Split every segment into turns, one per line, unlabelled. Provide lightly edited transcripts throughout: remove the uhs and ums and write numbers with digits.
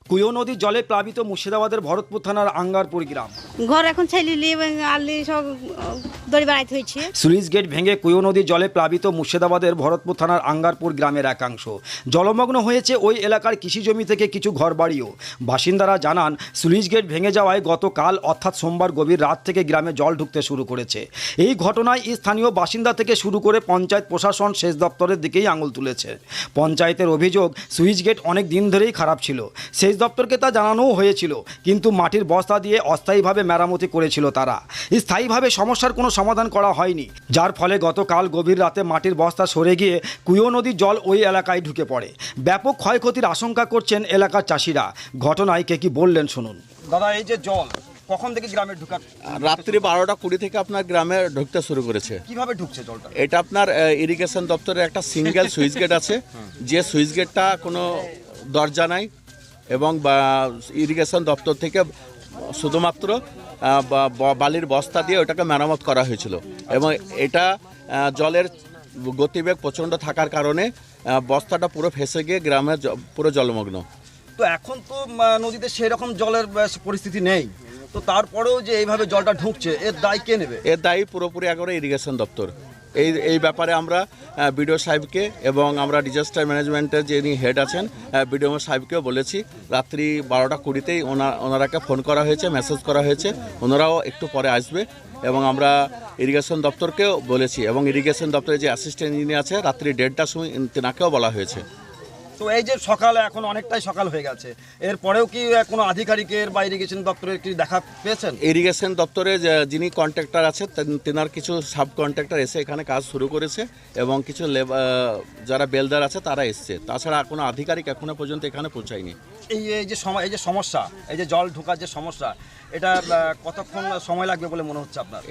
কুয়ো নদীর জলে প্লাবিত মুর্শিদাবাদের ভরতপুর থানার আঙ্গারপুর গ্রাম।
ঘর এখন ছেলিলি আলি সব দড়ি বেড়াইতে হয়েছে।
সুইচ গেট ভেঙে কুয়ো নদীর জলে প্লাবিত মুর্শিদাবাদের ভরতপুর থানার আঙ্গারপুর গ্রামের একাংশ। জলমগ্ন হয়েছে ওই এলাকার কৃষিজমি থেকে কিছু ঘরবাড়িও। বাসিন্দারা জানান, সুইচ গেট ভেঙে যাওয়ায় গতকাল অর্থাৎ সোমবার গভীর রাত থেকে গ্রামে জল ঢুকতে শুরু করেছে। এই ঘটনায় স্থানীয় বাসিন্দা থেকে শুরু করে পঞ্চায়েত প্রশাসন সেচ দপ্তরের দিকেই আঙুল তুলেছে। পঞ্চায়েতের অভিযোগ, সুইচ গেট অনেক দিন ধরেই খারাপ ছিল। সেচ দপ্তরকে তা জানানোও হয়েছিল, কিন্তু মাটির বস্তা দিয়ে অস্থায়ীভাবে মেরামতি করেছিল তারা। স্থায়ীভাবে সমস্যার কোনো সমাধান করা হয়নি, যার ফলে গতকাল গভীর রাতে মাটির বস্তা সরে গিয়ে কুয়ো নদীর জল ওই এলাকায় ঢুকে পড়ে। ব্যাপক ক্ষয়ক্ষতির আশঙ্কা করছেন এলাকার চাষিরা। ঘটনায় কে কি বললেন শুনুন। দাদা, এই যে জল কখন থেকে গ্রামে ঢুকা?
রাত্রি 12টা 20 থেকে আপনার গ্রামে ঢুকতে শুরু করেছে।
কিভাবে ঢুকছে জলটা?
এটা আপনার ইরিগেশন দপ্তরের একটা সিঙ্গেল সুইচ গেট আছে, যে সুইচ গেটটা কোনো দরজা নাই এবং ইরিগেশন দপ্তর থেকে শুধুমাত্র বালির বস্তা দিয়ে ওটাকে মেরামত করা হয়েছিল। এবং এটা জলের গতিবেগ প্রচণ্ড থাকার কারণে বস্তাটা পুরো ফেসে গিয়ে গ্রামে পুরো জলমগ্ন।
তো এখন তো নদীতে সেই রকম জলের পরিস্থিতি নেই, তো তারপরেও যে এইভাবে জলটা ঢুকছে, এর দায় কে নেবে?
এর দায়ী পুরোপুরি একবারে ইরিগেশন দপ্তর। এই ব্যাপারে আমরা বিডিও সাহেবকে এবং আমরা ডিজাস্টার ম্যানেজমেন্টের যিনি হেড আছেন বিডিও সাহেবকেও বলেছি। রাত্রি 12টা 20তেই ওনারাকে ফোন করা হয়েছে, মেসেজ করা হয়েছে, ওনারাও একটু পরে আসবে। এবং আমরা ইরিগেশন দপ্তরকেও বলেছি এবং ইরিগেশন দপ্তরের যে অ্যাসিস্ট্যান্ট ইঞ্জিনিয়ার আছে রাত্রি 1:30টার সময় তেনাকেও বলা হয়েছে।
তো এই যে সকালে এখন অনেকটাই সকাল হয়ে গেছে, এরপরেও কি কোনো আধিকারিকের বা ইরিগেশন দপ্তরের কি দেখা পেয়েছেন?
ইরিগেশন দপ্তরে যিনি কন্ট্রাক্টর আছে তেনার কিছু সাব কন্ট্রাক্টর এসে এখানে কাজ শুরু করেছে এবং কিছু যারা বেলদার আছে তারা এসছে। তাছাড়া কোনো আধিকারিক এখনো পর্যন্ত এখানে পৌঁছায়নি।
এই যে সমস্যা, এই যে জল ঢোকার যে সমস্যা, এটা কতক্ষণ সময় লাগবে বলে মনে হচ্ছে আপনার?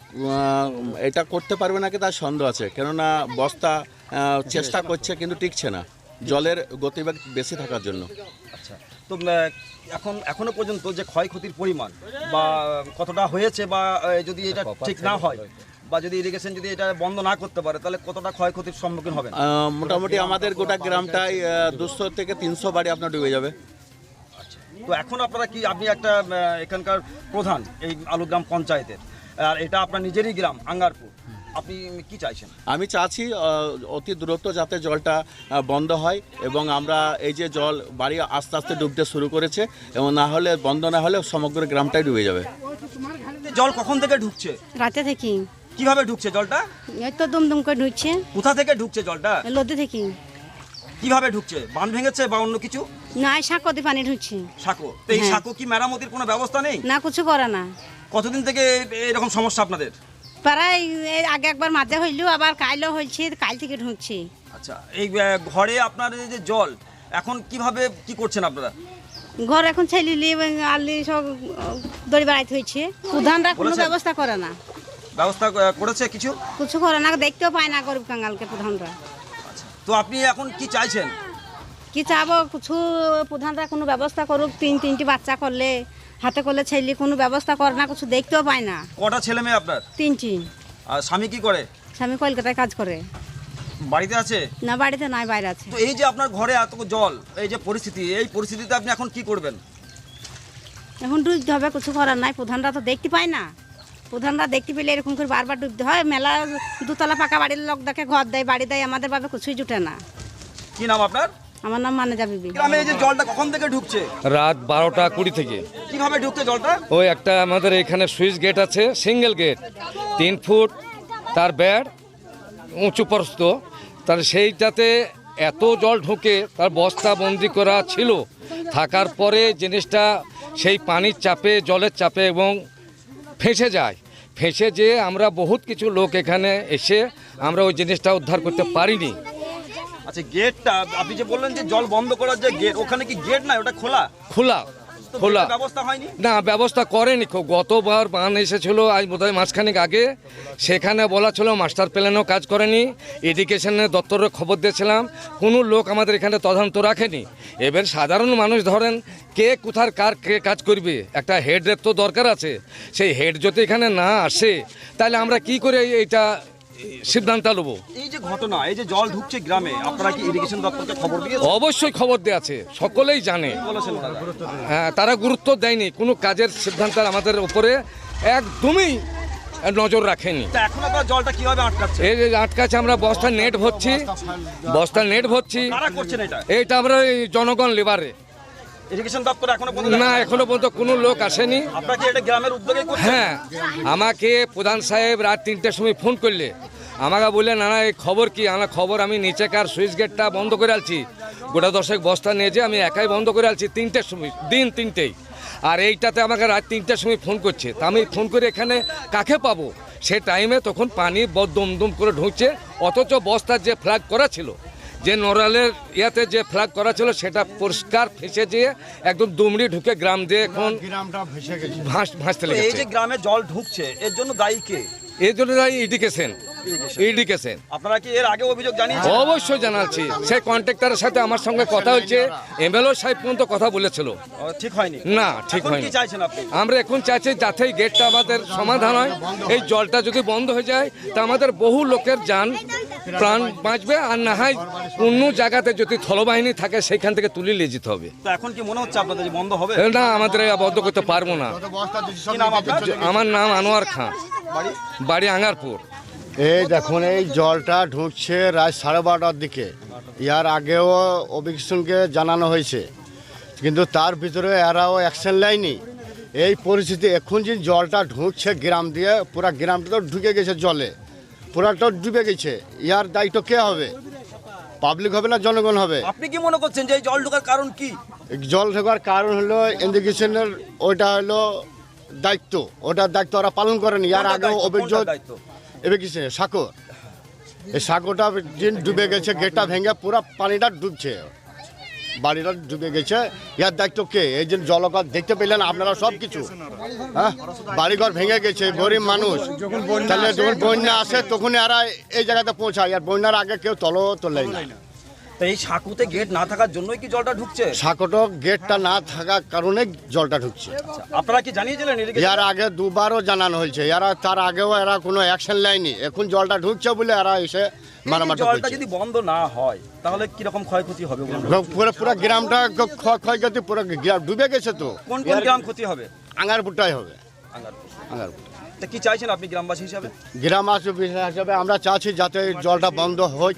এটা করতে পারবে নাকি তার সন্দেহ আছে, কেননা বস্তা চেষ্টা করছে কিন্তু টিকছে না, জলের গতিবেগ বেশি থাকার জন্য।
আচ্ছা, তো এখনো পর্যন্ত যে ক্ষয়ক্ষতির পরিমাণ বা কতটা হয়েছে, বা যদি এটা ঠিক না হয় বা যদি ইরিগেশন যদি এটা বন্ধ না করতে পারে, তাহলে কতটা ক্ষয়ক্ষতির সম্মুখীন হবে?
মোটামুটি আমাদের গোটা গ্রামটাই 200 থেকে 300 বাড়ি আপনার ডুবে যাবে।
তো এখন আপনারা কি, আপনি একটা এখানকার প্রধান এই আলুগ্রাম পঞ্চায়েতের, আর এটা আপনার নিজেরই গ্রাম আঙ্গারপুর, আপনি কি চাইছেন?
আমি চাচ্ছি অতি দ্রুত যাতে জলটা বন্ধ হয় এবং আমরা এই যে জল বাড়ি আস্তে আস্তে ডুবতে শুরু করেছে এবং না হলে বন্ধ না হলে সমগ্র গ্রামটাই ডুবে যাবে।
জল কখন থেকে ঢুকছে?
রাতে থেকে।
কিভাবে ঢুকছে জলটা?
এই তো দুমদুম করে ঢুকছে।
কোথা থেকে ঢুকছে জলটা?
নদী থেকে।
কিভাবে ঢুকছে? বাঁধ ভেঙেছে বা অন্য কিছু?
না, সাঁকো দিয়ে পানি ঢুকছে।
সাঁকো? তো এই সাঁকো কি মেরামতির কোনো ব্যবস্থা নেই?
না, কিছু করে না।
কতদিন থেকে এরকম সমস্যা আপনাদের?
প্রায় আগে একবার মাঝে হইলো, আবার কাইলও হয়েছে, কাল থেকে ঢুকছে।
আচ্ছা, এই ঘরে আপনার এই যে জল, এখন কিভাবে কি করছেন আপনারা?
ঘর এখন ছেলিলি আলি সব দড়ি বেড়াইতে হয়েছে। প্রধানরা কোনো ব্যবস্থা করে না।
ব্যবস্থা করেছে কিছু?
কিছু করে না, দেখতেও পায় না গরিব কাঙ্গালকে প্রধানরা।
আচ্ছা, তো আপনি এখন কি চাইছেন?
কি চাবো, কিছু প্রধানরা কোনো ব্যবস্থা করুক। তিনটি বাচ্চা করলে, হাতে করলে ছেলে কোনো ব্যবস্থা করে না, কিছু দেখতেও পায় না।
কটা ছেলে মেয়ে আপনার?
3টি।
আর স্বামী কি করে?
স্বামী কলকাতায় কাজ করে।
বাড়িতে আছে?
না, বাড়িতে নয়, বাইরে আছে।
তো এই যে আপনার ঘরে এত জল, এই যে পরিস্থিতি, এই পরিস্থিতিতে আপনি এখন কি করবেন?
এখন ডুবতে হবে, কিছু করার নাই। প্রধানরা তো দেখতে পায় না। প্রধানরা দেখতে পেলে এরকম করে বারবার ডুবতে হয়। মেলা দুতলা পাকা বাড়ির লোক দেখে ঘর দেয়, বাড়ি দেয়, আমাদের ভাবে কিছুই জুটে না।
কি নাম আপনার?
আমার নাম মানেজা বিবি।
গ্রামে এই যে জলটা কখন থেকে ঢুকছে?
রাত 12টা 20 থেকে।
কিভাবে ঢুকছে জলটা?
ওই একটা আমাদের এখানে সুইচ গেট আছে, সিঙ্গেল গেট, 3 ফুট তার বেড়, উঁচু প্রস্থ, তার সেইটাতে এত জল ঢুকে তার বস্তা বন্দি করা ছিল। থাকার পরে জিনিসটা সেই পানির চাপে, জলের চাপে এবং ফেঁসে যায়। ফেঁসে যেয়ে আমরা বহুত কিছু লোক এখানে এসে আমরা ওই জিনিসটা উদ্ধার করতে পারিনি।
আচ্ছা, গেটটা আপনি যে বললেন যে জল বন্ধ করার যে গেট, ওখানে কি গেট না, ওটা খোলা?
খোলা।
ব্যবস্থা হয়নি?
না, ব্যবস্থা করেনি। গতবার বান এসেছিল আজ বোধহয় মাসখানেক আগে, সেখানে বলা ছিল মাস্টার প্ল্যানও কাজ করেনি। এডুকেশনের দপ্তরের খবর দিয়েছিলাম, কোনো লোক আমাদের এখানে তদন্ত রাখেনি। এবার সাধারণ মানুষ ধরেন কে কোথার কার কে কাজ করবে, একটা হেডের তো দরকার আছে। সেই হেড যদি এখানে না আসে তাহলে আমরা কি করে এইটা সিদ্ধান্ত নেব।
এই যে ঘটনা, এই যে জল ঢুকছে গ্রামে, আপনারা কি ইরিগেশন দপ্তরকে খবর দিয়েছেন?
অবশ্যই খবর দেওয়া আছে, সকলেই জানে।
বলেছেন ওনারা?
হ্যাঁ, তারা গুরুত্ব দেয়নি, কোনো কাজের সিদ্ধান্ত আমাদের উপরে একদমই নজর রাখেনি।
তা এখন আপনারা জলটা কিভাবে আটকাচ্ছে?
এই যে আটকাছে, আমরা বস্তা নেট ভরছি,
কারা করছেন এটা?
এইটা আমরা এই জনগণ লেবারে।
ইরিগেশন দপ্তর এখনো পর্যন্ত
না, এখনো পর্যন্ত কোনো লোক আসেনি।
আপনারা কি এটা গ্রামের উদ্যোগে করছেন?
হ্যাঁ, আমাকে প্রধান সাহেব রাত 3টার সময় ফোন করলে আমাকে বললেন, না এই খবর কি? আমার খবর আমি নিচেকার সুইচ গেটটা বন্ধ করে আলছি, গোটা 10 বস্তা নিয়ে যে আমি একাই বন্ধ করে আলছি 3টার সময়, দিন 3টেই। আর এইটাতে আমাকে রাত 3টার সময় ফোন করছে, তা আমি ফোন করে এখানে কাকে পাবো? সে টাইমে তখন পানি দম করে ঢুকছে, অথচ বস্তার যে ফ্ল্যাগ করা ছিল, যে নড়ালের ইয়াতে যে ফ্ল্যাগ করা ছিল, সেটা পরিষ্কার ফেসে দিয়ে একদম দুমড়ি ঢুকে গ্রাম দিয়ে এখন ভাসতে
তো এই
লেগেছে।
যে গ্রামে জল ঢুকছে, এর জন্য দায়ী কে?
এই জন্য ইডিকেশন।
আপনারা কি এর আগে অভিযোগ জানিয়েছেন?
অবশ্যই জানাচ্ছি, সেই কন্ট্রাক্টরের সাথে আমার সঙ্গে কথা হচ্ছে, এমএলও সাহেব পর্যন্ত কথা বলেছিল।
ঠিক হয়নি?
না, ঠিক
এখন
হয়নি।
কি চাইছেন আপনি?
আমরা এখন চাইছি যাতে এই গেটটা আমাদের সমাধান হয়। এই জলটা যদি বন্ধ হয়ে যায় তা আমাদের বহু লোকের যান প্রাণ বাঁচবে, আর না হয় অন্য জায়গাতে যদি স্থলবাহিনী থাকে সেইখান থেকে তুলে নিয়ে যেতে হবে।
তো এখন কি মনে হচ্ছে আপনাদের যে বন্ধ হবে?
না, আমাদের বন্ধ করতে পারবো না।
কি নাম আপনার?
আমার নাম আনোয়ার খান, বাড়ি আঙ্গারপুর।
এই দেখুন, এই জলটা ঢুকছে রাত 12:30টার দিকে। ইয়ার আগেও অভিজ্ঞকে জানানো হয়েছে, কিন্তু তার ভিতরে এরাও অ্যাকশন নেয়নি। এই পরিস্থিতি এখন যে জলটা ঢুকছে গ্রাম দিয়ে, পুরা গ্রামটা তো ঢুকে গেছে জলে, পুরাটা ডুবে গেছে। ইয়ার দায়িত্ব কে হবে? পাবলিক হবে না জনগণ হবে?
আপনি কি মনে করছেন যে এই জল ঢোকার কারণ কি?
জল ঢোকার কারণ হলো ইরিগেশনের, ওইটা হলো দায়িত্ব, ওটার দায়িত্ব ওরা পালন করেনি। ইয়ার
কোনটা
আগেও
দায়িত্ব?
অভিযোগ
কোনটা দায়িত্ব?
এবার কিছু সাঁকো, এই সাঁকোটা দিন ডুবে গেছে, গেটটা ভেঙে পুরো পানিটা ডুবছে, বাড়িটা ডুবে গেছে। ইয়ার দায়িত্ব কে? এই যে জলঘর দেখতে পেলেন আপনারা সব কিছু, হ্যাঁ, বাড়িঘর ভেঙে গেছে, গরিব মানুষ। তাহলে যখন বন্যা আসে তখন এরা এই জায়গাতে পৌঁছায়, আর বন্যার আগে কেউ তোলেই না।
তো এই সাঁকুতে গেট না থাকার জন্যই কি জলটা ঢুকছে?
সাঁকোটা গেটটা না থাকার কারণে জলটা ঢুকছে।
আপনারা কি জানিয়েছিলেন irrigation?
ইয়ার আগে দুবারও জানানো হয়েছে, এরা তার আগেও এরা কোনো অ্যাকশন নেয়নি। এখন জলটা ঢুকছে বলে এরা এসে
এই
মারামারি
জলটা
করছে।
যদি বন্ধ না হয় তাহলে কিরকম ক্ষয়ক্ষতি হবে বলুন?
পুরো পুরো গ্রামটা ক্ষয়ক্ষতি, পুরো গ্রাম ডুবে গেছে তো।
কোন কোন গ্রাম ক্ষতি হবে?
আঙ্গারপুরটাই হবে,
আঙ্গারপুর।
আঙ্গারপুর।
তা কি চাইছেন আপনি গ্রামবাসী হিসাবে?
গ্রাম হিসাবে আমরা চাচ্ছি যাতে এই জলটা বন্ধ হোক,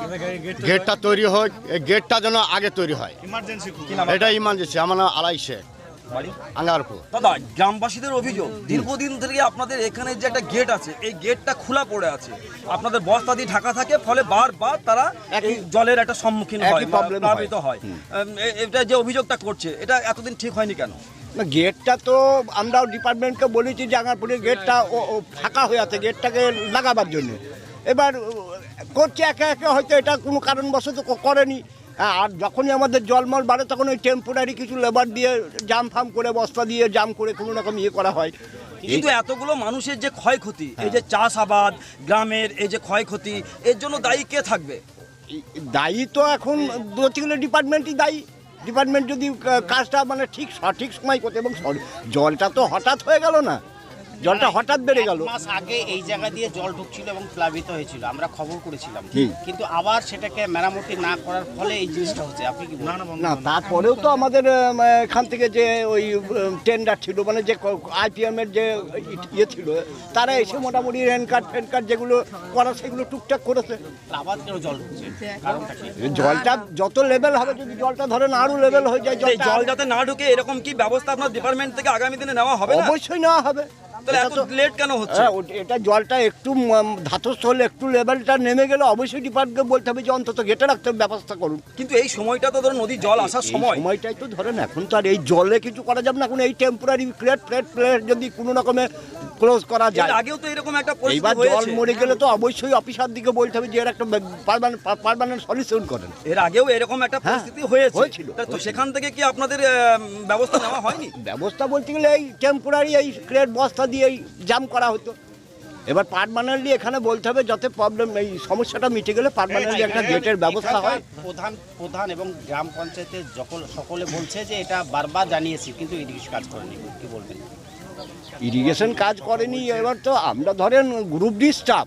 গেটটা তৈরি হোক, এই গেটটা যেন আগে তৈরি হয়।
কি নাম?
এটা ইমার্জেন্সি। আমার নাম আলাই শেখ,
বাড়ি?
আঙ্গারপুর।
দাদা, গ্রামবাসীদের অভিযোগ দীর্ঘদিন থেকে আপনাদের এখানে যে একটা গেট আছে, এই গেটটা খোলা পড়ে আছে, আপনাদের বস্তা দিয়ে ঢাকা থাকে, ফলে বারবার তারা এই জলের একটা সম্মুখীন হয়,
একই problem হয়।
প্লাবিত হয়। এটা যে অভিযোগটা করছে, এটা এতদিন ঠিক হয়নি কেন?
না, গেটটা তো আমরাও ডিপার্টমেন্টকে বলেছি যে আগারপুরের গেটটা ও ফাঁকা হয়ে আছে, গেটটাকে লাগাবার জন্য। এবার করছে একে একে, হয়তো এটা কোনো কারণবশত করেনি। আর যখনই আমাদের জলমল বাড়ে তখন ওই টেম্পোরারি কিছু লেবার দিয়ে জাম ফাম করে, বস্তা দিয়ে জাম করে কোনো রকম ইয়ে করা হয়।
কিন্তু এতগুলো মানুষের যে ক্ষয়ক্ষতি, এই যে চাষাবাদ, গ্রামের এই যে ক্ষয়ক্ষতি, এর জন্য দায়ী কে থাকবে?
দায়ী তো এখন দোষীগুলো ডিপার্টমেন্টই দায়ী। ডিপার্টমেন্ট যদি কাজটা মানে ঠিক সঠিক সময় করতে, এবং জলটা তো হঠাৎ হয়ে গেল না, জলটা হঠাৎ বেড়ে গেল।
1 মাস আগে এই জায়গা দিয়ে জল ঢুকছিল এবং প্লাবিত হয়েছিল, আমরা খবর করেছিলাম, কিন্তু আবার সেটাকে মেরামতি না করার ফলে এই জিনিসটা হচ্ছে। আপনি কি বলেন?
না, তারপরেও তো আমাদের এখান থেকে যে ওই টেন্ডার ছিল, মানে যে IPM এর যে ইয়ে ছিল, তারা এসে মোটামুটি রেনকাট ফেনকাট যেগুলো করা সেগুলো টুকটাক করেছে।
আবার কেন জল ঢুকছে, কারণটা কি?
জলটা যত লেভেল হবে, যদি জলটা ধরেন আরো লেভেল হয়ে যায়,
এই জল যাতে না ঢুকে এরকম কি ব্যবস্থা আপনার ডিপার্টমেন্ট থেকে আগামী দিনে নেওয়া হবে না?
অবশ্যই নেওয়া হবে।
তাহলে
এটা
এত
তো
লেট কেন হচ্ছে?
এটা জলটা একটু ধাতস্থ হলে, একটু লেভেলটা নেমে গেলে অবশ্যই ডিপার্টমেন্টকে বলতে হবে যে অন্তত গেটে রাখতে ব্যবস্থা করুন।
কিন্তু এই সময়টা তো ধরুন নদীর জল আসার সময়।
সময়টাই তো ধরেন, এখন তো আর এই জলে কিছু করা যাবে না। এখন এই টেম্পোরারি প্লেট যদি কোনো রকমে ক্লোজ করা
এর
যায়।
আগেও তো এরকম একটা
এইবার
পরিস্থিতি
জল
হয়েছে।
মরে গেলে তো অবশ্যই অফিসার দিকে বলতে হবে যে এর একটা পার্মানেন্ট সলিউশন করেন।
এর আগেও এরকম একটা পরিস্থিতি হয়েছিল। তো
হয়েছিল।
সেখান থেকে কি আপনাদের ব্যবস্থা নেওয়া হয়নি?
ব্যবস্থা বলতে গেলে এই টেম্পোরারি এই ক্রেট বস্তা দিয়ে জাম করা হতো। এবার পার্মানেন্টলি এখানে বলতে হবে যাতে প্রবলেম, এই সমস্যাটা মিটে গেলে পার্মানেন্টলি একটা গেটের ব্যবস্থা হয়।
প্রধান এবং গ্রাম পঞ্চায়েতের সকলে বলছে যে এটা বারবার জানিয়েছি, কিন্তু ইরিগেশন কাজ করেনি। কি বলবেন?
ইরিগেশন কাজ করেনি। এবার তো আমরা ধরেন গ্রুপ ডি স্টাফ,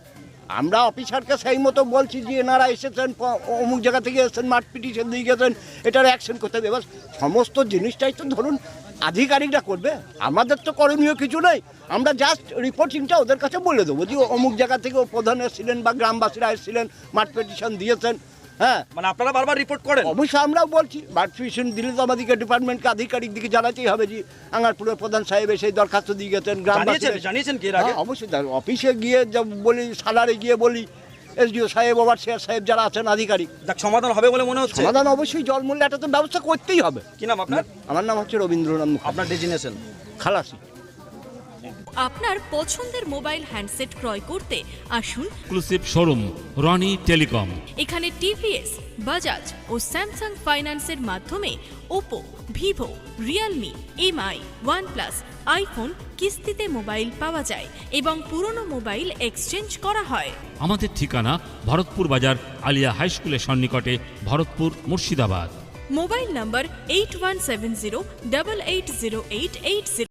আমরা অফিসারকে সেই মতো বলছি যে এনারা এসেছেন অমুক জায়গা থেকে এসেছেন, মাঠ পিটিশন দিয়ে গেছেন, এটার অ্যাকশন করতে হবে। এবার সমস্ত জিনিসটাই তো ধরুন আধিকারিকরা করবে, আমাদের তো করণীয় কিছু নেই। আমরা জাস্ট রিপোর্টিংটা ওদের কাছে বলে দেবো যে অমুক জায়গা থেকে ও প্রধান এসেছিলেন বা গ্রামবাসীরা এসেছিলেন, মাঠ পিটিশন দিয়েছেন। হ্যাঁ,
মানে আপনারা বারবার রিপোর্ট করেন?
অবশ্যই আমরাও বলছি, মাঠ পিটিশন দিলে তো আমাদেরকে ডিপার্টমেন্টকে আধিকারিক দিকে জানাতেই হবে যে আঙ্গারপুরের প্রধান সাহেব সেই দরখাস্ত দিয়ে গেছেন।
জানিয়েছেন কি এর আগে?
অবশ্যই অফিসে গিয়ে বলি, সালারে গিয়ে বলি, এসডিও সাহেব, ওভারসিয়ার সাহেব যারা আছেন আধিকারিক।
সমাধান হবে বলে মনে হচ্ছে?
সমাধান অবশ্যই, জল মূল্য একটা তো ব্যবস্থা করতেই হবে।
কি নাম আপনার?
আমার নাম হচ্ছে রবীন্দ্রনাথ মুখার্জি।
আপনার ডেজিনেশন?
খালাসি।
আপনার পছন্দের মোবাইল হ্যান্ডসেট ক্রয় করতে আসুন
এক্সক্লুসিভ শোরুম রনি টেলিকম।
এখানে টিভিএস, বাজাজ ও স্যামসাং ফাইন্যান্সের মাধ্যমে Oppo, Vivo, Realme, MI, OnePlus, iPhone কিস্তিতে মোবাইল পাওয়া যায় এবং পুরনো মোবাইল এক্সচেঞ্জ করা হয়।
আমাদের ঠিকানা ভরতপুর বাজার আলিয়া হাই স্কুলের সন্নিকটে, ভরতপুর, মুর্শিদাবাদ।
মোবাইল নম্বর 8170880880।